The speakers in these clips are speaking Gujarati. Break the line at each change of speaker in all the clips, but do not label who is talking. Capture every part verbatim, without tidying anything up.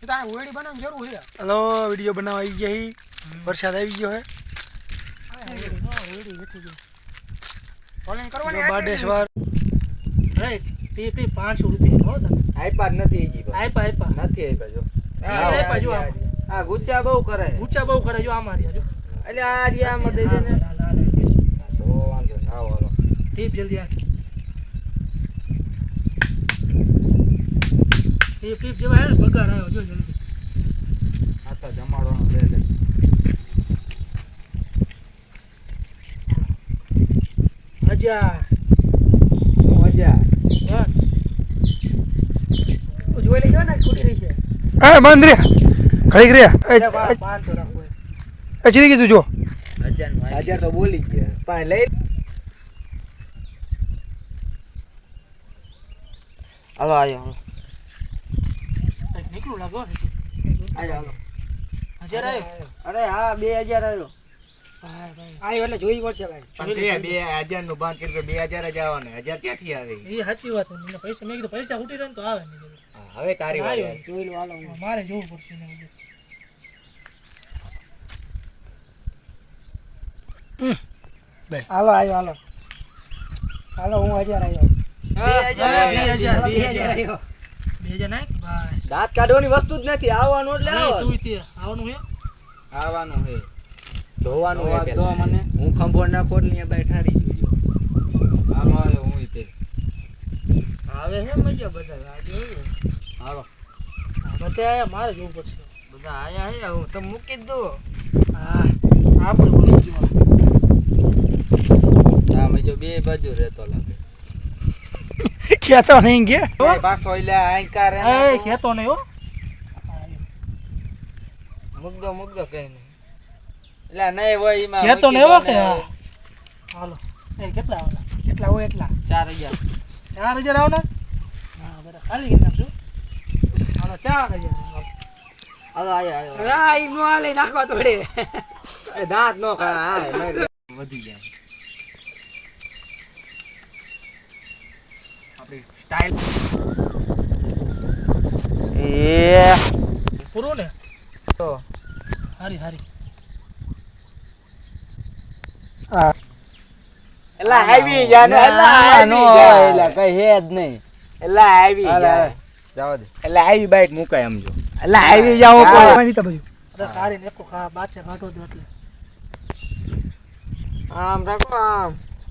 તા ઓડી બનાવવાની જરૂર છે.
હલો વિડિયો બનાવવા આવી ગયા હી. વરસાદ આવી ગયો હે.
ઓડી વેઠી ગયો. કોલિંગ કરવાની
બાડેશ્વર
રાઈટ તે તે પાંચસો રૂપિયા હો તને
આઈપા નથી ઈ જી
આઈપા આઈપા
નથી આઈપા જો
આઈપા જો આમ
આ ગુચ્ચા બહુ કરે
ઊંચા બહુ કરે જો આમારી જો
એટલે આ રિયા માં દઈ દે ને તો વાંધો ના વાળો
ટીપ જલ્દી આ ટીપ ટીપ જેવા હે બગાડ આવ્યો જો જલ્દી
આ તો જમાડવાનો લે લે
હજાર
શું મજા
હા તું જોઈ લેજો ને ખોટી રહી છે
એ બંધ રે ખડી ગયા
એ બા પાંચસો રાખો
એ ચીરી કીધું જો
હજાર નો હજાર તો બોલી ગયા પણ લઈ હાલો આયો
નીકળું લાગો
આયો હાલો
હજાર આવ્યો
અરે હા બે હજાર આવ્યો
આયો એટલે જોઈ પડશે ભાઈ
બે બે હજાર નું બાંધ કરી બે હજાર જ આવવાને હજાર ક્યાંથી આવે
એ સાચી વાત છે મને પૈસા મેં કીધું પૈસા ઉઠી રહે ને તો આવે ને
હવે તારી વાત
આવ્યો જોઈ લો હાલો મારે જોવું પડશે ને હાલો આવ્યો હાલો હાલો હું હજાર આવ્યો બે હજાર બે હજાર આવ્યો બે હજાર નાખ ભાઈ
દાંત કાઢવાની વસ્તુ જ નથી આવવાનું એટલે
તું
આવવાનું
તે આવવાનું હે
આવવાનું હે ધોવાનું હે તો મને હું ખંભો ના કોટ ની બાય ઠારી જોજો આમાં આવે હું ઈ તે આવે હે મજા બધા આ જોયું હાલો
બધા આયા મારે જોવું પડશે
બધા આયા હે હું તો મૂકી જ દો
હા આપણે બોલી જો
આ મજો બે બાજુ રહેતો લાગે
ખેતો નહીં કે
ભાઈ પાછો એટલે આંકા રે
એ ખેતો નહીં હો
મુગદો મુગદો કઈ નહીં એટલે નહીં હોય ઈમાં
ખેતો નહીં હો કે હાલો એ કેટલા આવના કેટલા હોય એટલા
ચાર હજાર
ચાર હજાર આવના હા બરાબર ખાલી કરી નાખજો હાલો ચાર હજાર
હાલો આયો આયો
હા ઈ નો આલે નાખવા તોડે
એ દાંત નો કા આ વધી જાય આપણી સ્ટાઈલ એ
પૂરું ને
તો
હારી હારી
એલા આવી જા ને એલા આવી જા એલા કઈ હે જ નહીં એલા આવી જા જાવ દે એલા આવી બાઈટ મુકાય સમજો એલા આવી જાઓ
પાણી તો બધું
અરે સારી ને કો ખા બાચે કાઢો દો એટલે
આમ રાખો આમ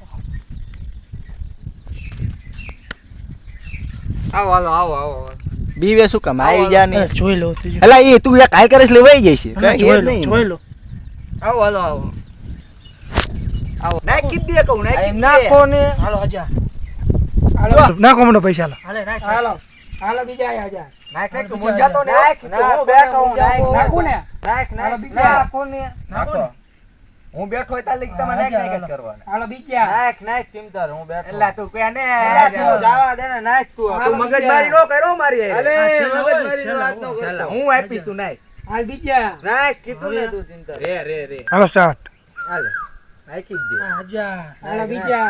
આવો હાલો આવો આવો બીવે શું કામ આવી જા ને
જોઈ લો
એલા એ તું એક હાલ કરે લેવાઈ જાય છે કઈ
જોઈ
હે
લો
નહીં
જોઈ લો
આવો હાલો આવો આવો નાખી દે કહું નાખી નાખો ને
હાલો હજાર
નાખો મને પૈસા લા
હાલે નાખ હાલો હાલો બીજા આયા હજાર
નાખ નાખ તું મુંજા તો નાખ તું હું બેઠો હું નાખ
નાખું ને
નાખ નાખ
બીજા
નાખો ને નાખો હું બેઠો હોય તાલી તમે નાખ નાખ કરવાના
હાલો બીજા
નાખ નાખ ચિંતા હું બેઠો એલા તું કે ને જાવા દે ને નાખ તું તું મગજમારી નો કરો મારી અલે મગજમારી નો વાત નો કર હું આપીશ તું નાખ
હાલ બીજા
નાખ કીધું ને તું ચિંતા રે રે રે
હાલો સ્ટાર્ટ
હાલે નાખી દે
હજાર હાલો બીજા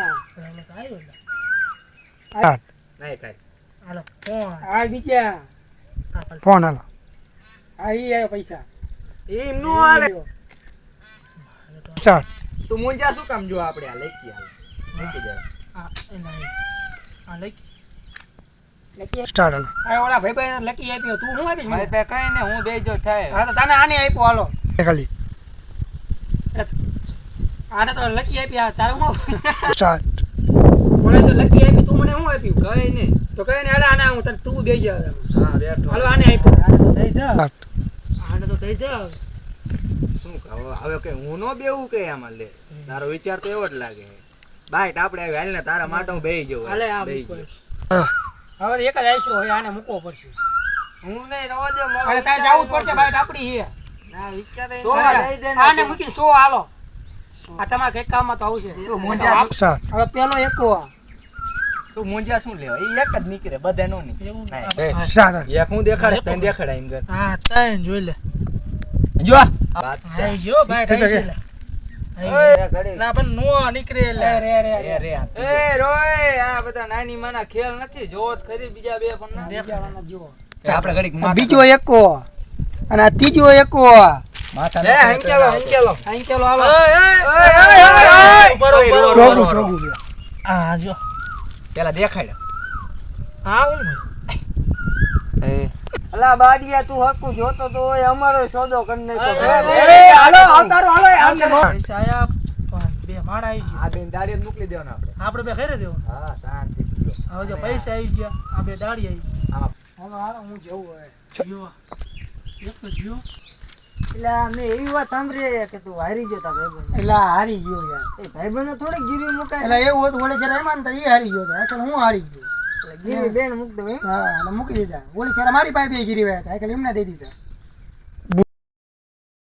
સ્ટાર્ટ
નાખ કાઈ
હાલો ફોન હાલ બીજા
ફોન હાલો
આ ઈ આયો પૈસા
એમ નો હાલે
સ્ટાર્ટ
તું મુંજા શું કામ જો આપણે આ લખી હાલ લખી દે
આ એ નહીં આ લખી
સ્ટાર્ટ હાલો
આ ઓલા ભાઈ ભાઈ લકી આપ્યો તું હું આપીશ
મારે પે કઈ ને હું બેજો થાય
હા તો તને આને આપ્યો હાલો
ખાલી
આને તો લકી આપ્યા તારે હું
સ્ટાર્ટ
મને તો લકી આપી તું મને હું આપ્યું
કઈ ને
તો કઈ ને હાલે આને હું તને તું બેસી જા
હા બેઠો
હાલો આને આપ્યો આને તો થઈ જા
સ્ટાર્ટ
આને તો થઈ જા
શું કહો હવે કઈ હું નો બેવું કે આમાં લે તારો વિચાર તો એવો જ લાગે બાઈટ આપણે આવી હાલ ને તારા માટે હું બેહી જવું
હાલે આ
બેહી
મૂકો.
હા
હવે એક જ આઈસરો હોય આને મૂકવો પડશે
હું નહીં રવા દે
અરે તારે જાવું જ પડશે બાઈટ આપડી છે
ના વિચારે
સો
દઈ દે
આને મૂકી સો હાલો આ તમારા કઈ કામમાં તો આવશે
તું મુંજા
સ્ટાર્ટ
હવે પેલો એકો
તું મુંજા શું લેવા ઈ એક જ નીકળે બધા નો નીકળે
એવું
નહીં.
સ્ટાર્ટ
એક હું દેખાડે તને દેખાડે એમ કર
હા તૈન જોઈ લે
જો વાત છે
આઈ જો બાઈટ
છે, છે,
આઈ
છે.
લે
ઓય ઘડી
ના પણ નો નીકળે એટલે રે રે
રે રે એ રોય આ બધા નાની માના ખેલ નથી જોત ખરી બીજા બે પણ ના
દેખાવાના જો
આપણે ઘડીક
બીજો એકો
અને આ ત્રીજો એકો
માથા
લે હંકેલો હંકેલો
આંકેલો હાલો
ચોગું ચોગું બે.
આ જો
પેલા દેખાડ
આ હું
અલા બાડિયા તું હકુ જોતો તો હોય અમારો સોદો કરી નાખ્યો
હાલો આવતારો હાલો આમને
પૈસા આયા પણ બે માળ આવી ગયા
આ બેન દાડી મોકલી દેવાના આપણે
આપણે બે ઘરે દેવું
હા શાંતિ
હવે જો પૈસા આવી ગયા આ બે દાડી આવી
આમાં
હાલો હાલો હું જવું હવે જીવો એક તો જીવો
એટલે મેં એવી વાત સાંભળી કે તું હારી ગયો તા ભાઈબંધ
એટલે આ હારી ગયો યાર
એ ભાઈબંધ થોડી ગીરી મુકાય
એટલે એવું હતું ઓલે જરા એમાં ને તો એ હારી ગયો હતો એટલે હું હારી ગયો
ગીરી બેન મૂક દો એમ
હા એટલે મૂકી દીધા ઓલી ખેરા મારી પાસે ગીરી વ્યા હતા એટલે એમને દઈ દીધા